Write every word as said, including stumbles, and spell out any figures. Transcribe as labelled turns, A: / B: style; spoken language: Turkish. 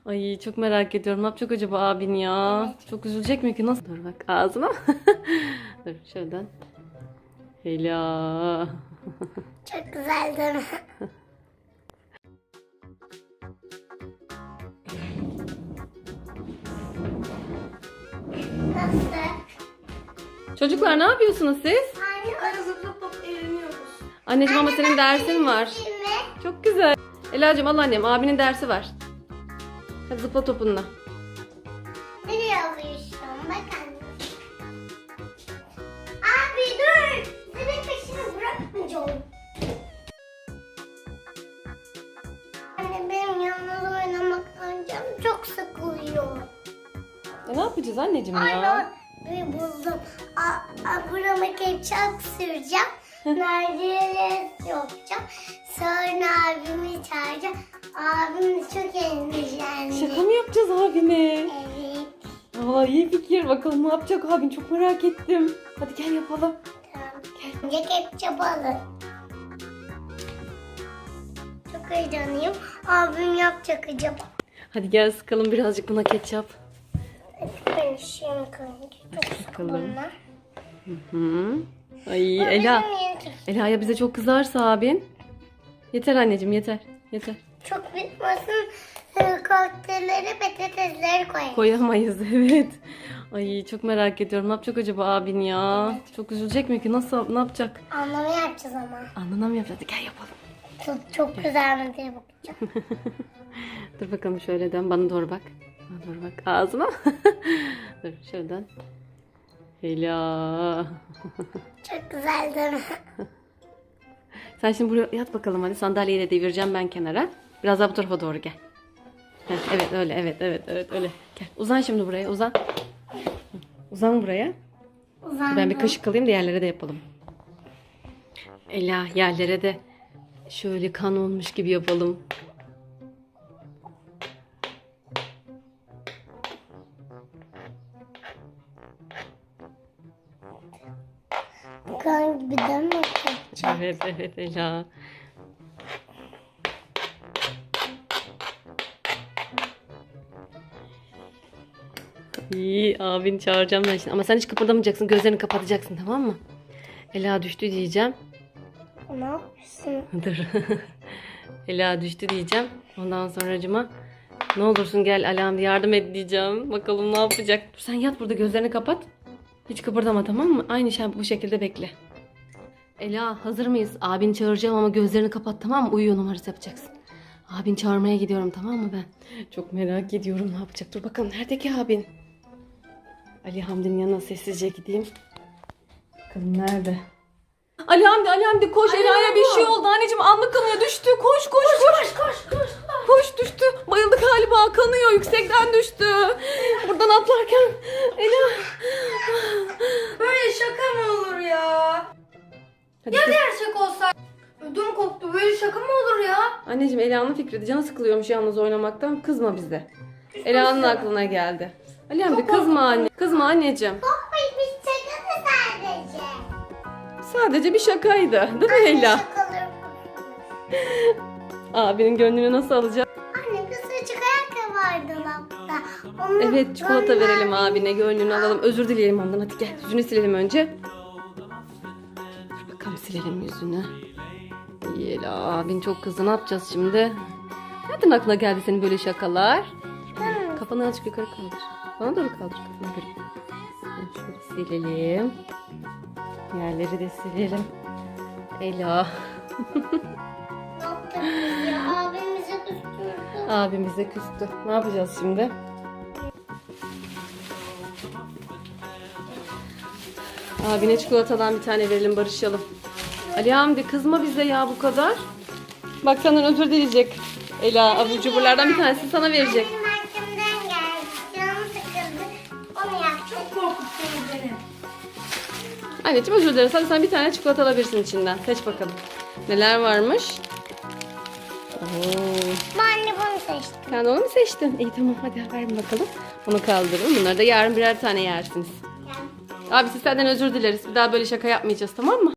A: Ay çok merak ediyorum. Ne yapacak acaba abin ya?
B: Evet.
A: Çok üzülecek mi ki? Nasıl? Dur bak ağzına. Dur şuradan. Ela.
B: Çok güzel değil mi? Nasıl?
A: Çocuklar ne yapıyorsunuz siz?
B: Anne arı zıplıp eğleniyoruz.
A: Anneciğim ama senin dersin var.
B: Değil mi?
A: Çok güzel. Ela'cığım al annem. Abinin dersi var. Hadi zıpla topunla.
B: Nereye alıyorsun? Bak anne. Abi dur. Senin peşini bırakmayacağım. Anne benim yalnız oynamaktan canım çok sıkılıyor.
A: E, ne yapacağız anneciğim
B: Anne
A: ya?
B: bir buldum. A, a, burama ketçap süreceğim. Nerede yapacağım. Sonra abimi çağıracağım. Abim de çok endişelendi.
A: Şaka mı yapacağız abine?
B: Evet.
A: Aa, iyi fikir. Bakalım ne yapacak abin? Çok merak ettim. Hadi gel yapalım.
B: Tamam. Önce ketçap alın. Çok heyecanlıyım. Abim yapacak acaba.
A: Hadi gel sıkalım birazcık buna ketçap.
B: Ben işim kanki. Çok
A: Sıkalım.
B: sıkıldım ben.
A: Hı. Ay Ela. Ela ya bize çok kızarsa abin. Yeter anneciğim yeter. Yeter.
B: Çok bitmesin. e, Kokteylleri, patatesleri koyayım.
A: Koyamayız evet. Ay çok merak ediyorum. Ne yapacak acaba abin ya? Çok üzülecek mi ki? Nasıl ne yapacak?
B: Anlamı yapacağız ama.
A: Anlamam yapacak. Hadi gel yapalım.
B: Çok, çok güzel mi diye bakacağım.
A: Dur bakalım şöyle dön. Bana doğru bak. Bana doğru bak. Ağzıma. Dur şuradan. Ela.
B: Çok güzel değil mi?
A: Sen şimdi buraya yat bakalım hadi. Sandalyeyi de devireceğim ben kenara. Biraz daha bu tarafa doğru gel. Heh, evet öyle evet evet evet öyle. Gel uzan şimdi buraya uzan. Uzan buraya.
B: Uzandım.
A: Ben bir kaşık alayım da yerlere de yapalım. Ela yerlere de şöyle kan olmuş gibi yapalım.
B: Kan gibi değil mi? Ketçap.
A: Evet evet Ela. İyi abini çağıracağım ben şimdi. Ama sen hiç kıpırdamayacaksın. Gözlerini kapatacaksın tamam mı? Ela düştü diyeceğim.
B: Ne yapıyorsun?
A: Dur. Ela düştü diyeceğim. Ondan sonracıma ne olursun gel Alam yardım et diyeceğim. Bakalım ne yapacak. Dur sen yat burada gözlerini kapat. Hiç kıpırdama tamam mı? Aynı şey bu şekilde bekle. Ela hazır mıyız? Abini çağıracağım ama gözlerini kapat tamam mı? Uyuyor numarası yapacaksın. Abini çağırmaya gidiyorum tamam mı ben? Çok merak ediyorum ne yapacak. Dur bakalım nerede ki abin? Ali Hamdi'nin yanına sessizce gideyim. Bakalım nerede? Ali Hamdi, Ali Hamdi koş. Ela'ya bir şey oldu. Anneciğim anlık kanıyor. Düştü. Koş, koş, koş.
B: Koş koş.
A: Koş düştü. Bayıldı galiba. Kanıyor. Yüksekten düştü. Buradan atlarken. Ela.
C: Böyle şaka mı olur ya?
A: Hadi
C: Ya
A: kız.
C: gerçek olsa? Ödüm koptu. Böyle şaka mı olur ya?
A: Anneciğim Ela'nın fikriydi. Canı sıkılıyormuş yalnız oynamaktan. Kızma bize. Ela'nın aklına geldi. Ali Hamdi kızma anne. Kızma anneciğim.
B: Korkmayın biz şaka mı sadece?
A: Sadece bir şakaydı. Değil mi Ela?
B: Şakalarım.
A: Abinin gönlünü nasıl alacak?
B: Anne kısacık ayakkabı vardı dolapta. Onu
A: Evet çikolata
B: gönder-
A: verelim abine. Gönlünü alalım. Özür dileyelim ondan. Hadi gel. Yüzünü silelim önce. Dur bakalım silelim yüzünü. İyi Ela. Abin çok kızdı. Ne yapacağız şimdi? Nereden aklına geldi senin böyle şakalar?
B: Hı.
A: Kafanı azıcık yukarı kaldır. Bana doğru kaldır kafanı yukarı. Şöyle silelim. Yerleri de silelim. Ela.
B: Ne yaptık biz ya? Abimizi küstürdü.
A: Abimize küstü. Ne yapacağız şimdi? Abine çikolatadan bir tane verelim barışalım. Ali Hamdi kızma bize ya bu kadar. Bak senden özür dileyecek. Ela abur cuburlardan bir tanesini sana verecek.
B: Benim arkamdan geldi. Canım sıkıldı. Onu yaptım.
C: Korkuttun beni.
A: Anneciğim özür dileriz. Hadi sen bir tane çikolata alabilirsin içinden. Seç bakalım. Neler varmış? Oo.
B: Ben anne bunu seçtim.
A: Sen de onu mu seçtin? İyi tamam hadi ver bakalım. Bunu kaldırın. Bunları da yarın birer tane yersiniz.
B: Yani.
A: Abi siz senden özür dileriz. Bir daha böyle şaka yapmayacağız tamam mı?